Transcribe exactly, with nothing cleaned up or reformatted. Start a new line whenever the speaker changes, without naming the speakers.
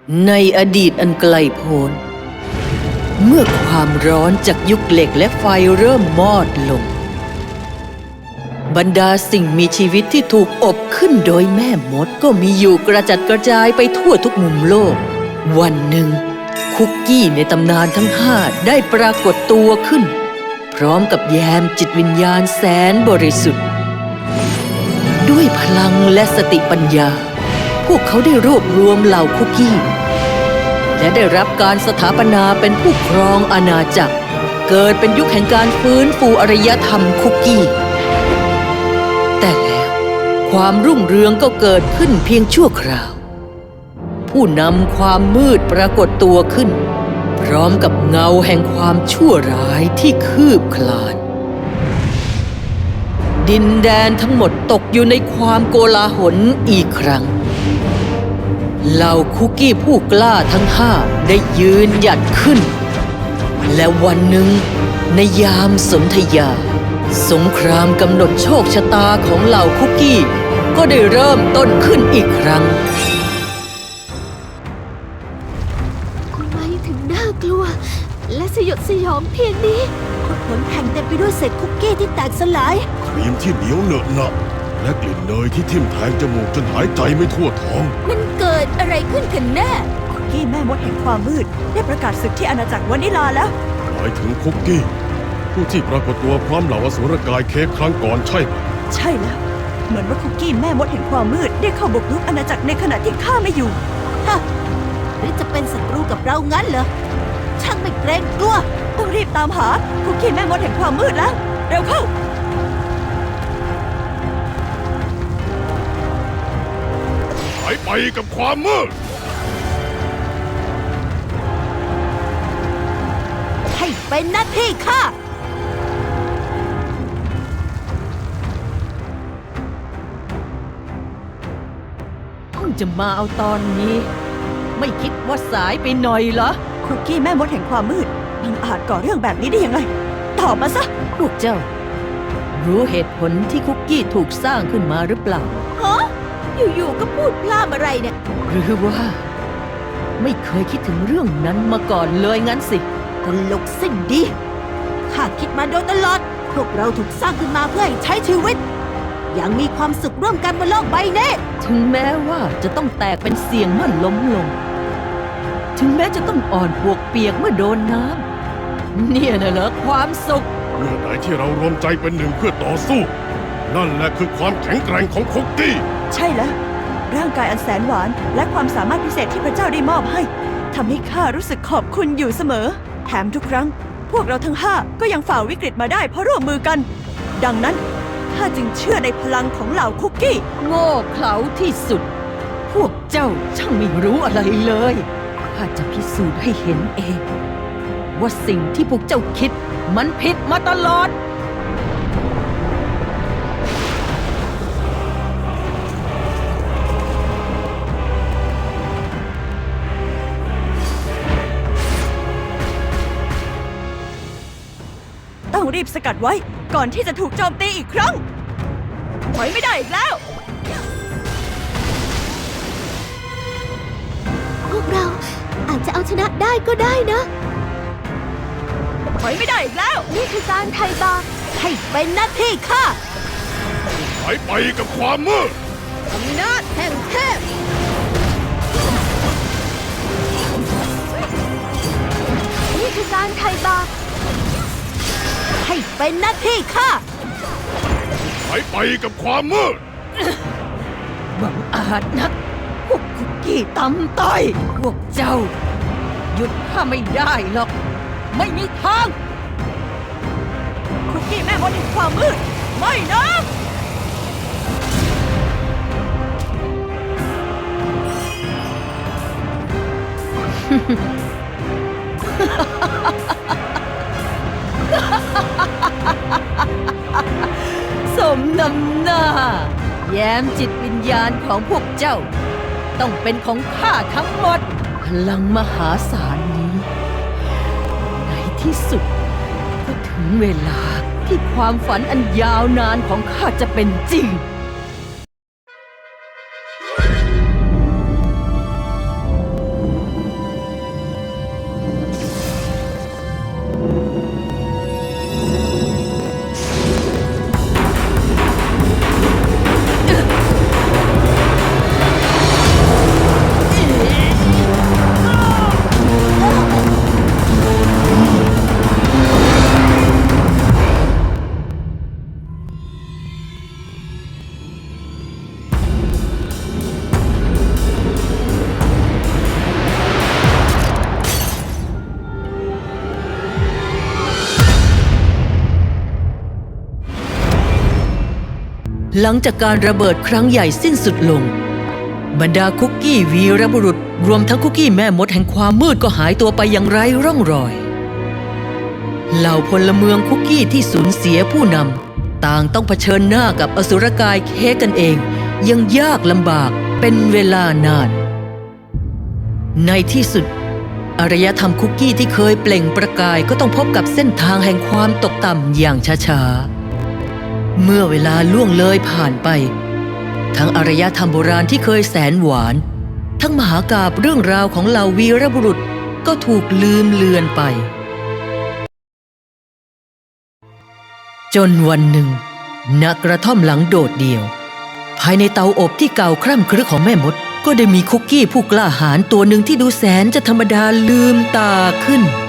ในอดีตอันไกลโพ้นเมื่อความร้อนจากยุคเหล็กและไฟเริ่มมอดลงบรรดาสิ่งมีชีวิตที่ถูกอบขึ้นโดยแม่มดก็มีอยู่กระจัดกระจายไปทั่วทุกมุมโลกวันหนึ่งคุกกี้ในตำนานทั้งห้าได้ปรากฏตัวขึ้นพร้อมกับแยมจิตวิญญาณแสนบริสุทธิ์ด้วยพลังและสติปัญญาพวกเขาได้รวบรวมเหล่าคุกกี้และได้รับการสถาปนาเป็นผู้ครองอาณาจักรเกิดเป็นยุคแห่งการฟื้นฟูอารยธรรมคุกกี้แต่แล้วความรุ่งเรืองก็เกิดขึ้นเพียงชั่วคราวผู้นำความมืดปรากฏตัวขึ้นพร้อมกับเงาแห่งความชั่วร้ายที่คืบคลานดินแดนทั้งหมดตกอยู่ในความโกลาหลอีกครั้งเหล่าคุกกี้ผู้กล้าทั้งห้าได้ยืนหยัดขึ้นและวันหนึ่งในยามสนธยาสงครามกำหนดโชคชะตาของเหล่าคุกกี้ก็ได้เริ่มต้นขึ้นอีกครั้ง
ทำไมถึงน่ากลัวและสยดสยองเพียงนี้ผลแผ่นเต็มไปด้วยเศษคุกกี้ที่แตกสลาย
ครีมที่เหนียวเหนอะหนะและกลิ่นเนยที่ทิ่มแทงจมูกจนหายใจไม่ทั่วท้อง
มันเกิดอะไรขึ้นกันแน่
คุกกี้แม่มดแห่งความมืดได้ประกาศศึกที่อาณาจักรวานิลาแล้ว
หมายถึงคุกกี้ผู้ที่ปรากฏตัวพร้อมเหล่าอสูรกายเค้กครั้งก่อนใช่ไหม
ใช่แล้วเหมือนว่าคุกกี้แม่มดแห่งความมืดได้เข้าบุกรุกอาณาจักรในขณะที่ข้าไม่อยู่
ฮะหรือจะเป็นศัตรูกับเรางั้นเหรอช่างไม่เกรงกลัว
ต้องรีบตามหาคุกกี้แม่มดแห่งความมืดแล้วเร็วเข้า
หายไปกับความมืด
ให้เป็นหน้าที่ข้า
เพิ่งจะมาเอาตอนนี้ไม่คิดว่าสายไปหน่อยเหรอ
คุกกี้แม่มดแห่งความมืดมันอาจก่อเรื่องแบบนี้ได้ยังไงตอบมาซะ
พวกเจ้ารู้เหตุผลที่คุกกี้ถูกสร้างขึ้นมาหรือเปล่า
ฮะอยู่ๆก็พูดพล่ามอะไรเนี่ย
หรือว่าไม่เคยคิดถึงเรื่องนั้นมาก่อนเลยงั้นสิ
ตลกสิ้นดีข้าคิดมาโดยตลอดพวกเราถูกสร้างขึ้นมาเพื่อให้ใช้ชีวิตอย่างมีความสุขร่วมกันบนโลกใบนี้
ถึงแม้ว่าจะต้องแตกเป็นเสียงเมื่อล้มลงถึงแม้จะต้องอ่อนปวกเปียกเมื่อโดนน้ำเนี่ยน่ะเหรอความสุข
เมื่อไหนที่เรารวมใจเป็นหนึ่งเพื่อต่อสู้นั่นแหละคือความแข็งแกร่งของคุกกี้
ใช่แล้วร่างกายอันแสนหวานและความสามารถพิเศษที่พระเจ้าได้มอบให้ทำให้ข้ารู้สึกขอบคุณอยู่เสมอแถมทุกครั้งพวกเราทั้งห้าก็ยังฝ่าวิกฤตมาได้เพราะร่วมมือกันดังนั้นข้าจึงเชื่อในพลังของเหล่าคุกกี้
โง่เขลาที่สุดพวกเจ้าช่างไม่รู้อะไรเลยข้าจะพิสูจน์ให้เห็นเองว่าสิ่งที่พวกเจ้าคิดมันผิดมาตลอด
ต้องรีบสกัดไว้ก่อนที่จะถูกโจมตีอีกครั้งถอยไม่ได้อีกแล้ว
พวกเราอาจจะเอาชนะได้ก็ได้นะ
ถอยไม่ได้อีกแล้ว
นี่คือการไถ่บาปให้เป็นหน้าที่ข้า
หายไปกับความมืด
อำนาจแห่งเทพนี่คือการไถ่บาปให้เป็นหน้าที่ข้า
หายไปกับความมืด
บังอาจนักพวกคุกกี้ตำต้อยพวกเจ้าหยุดข้าไม่ได้หรอกไม่มีทาง
คุกกี้แม่มดแห่งความมืดไม่นะ
สมน้ำหน้าแย้มจิตวิญญาณของพวกเจ้าต้องเป็นของข้าทั้งหมดพลังมหาศาลนี้ในที่สุดก็ถึงเวลาที่ความฝันอันยาวนานของข้าจะเป็นจริง
พ
หลังจากการระเบิดครั้งใหญ่สิ้นสุดลงบรรดาคุกกี้วีรบุรุษรวมทั้งคุกกี้แม่มดแห่งความมืดก็หายตัวไปอย่างไร้ร่องรอยเหล่าพลเมืองคุกกี้ที่สูญเสียผู้นำต่างต้องเผชิญหน้ากับอสุรกายเค้กกันเองยังยากลำบากเป็นเวลานานในที่สุดอารยธรรมคุกกี้ที่เคยเปล่งประกายก็ต้องพบกับเส้นทางแห่งความตกต่ำอย่างช้าๆเมื่อเวลาล่วงเลยผ่านไปทั้งอารยธรรมโบราณที่เคยแสนหวานทั้งมหากาพย์เรื่องราวของเหล่าวีรบุรุษก็ถูกลืมเลือนไปจนวันหนึ่งณกระท่อมหลังโดดเดี่ยวภายในเตาอบที่เก่าคร่ำครึของแม่มดก็ได้มีคุกกี้ผู้กล้าหาญตัวหนึ่งที่ดูแสนจะธรรมดาลืมตาขึ้น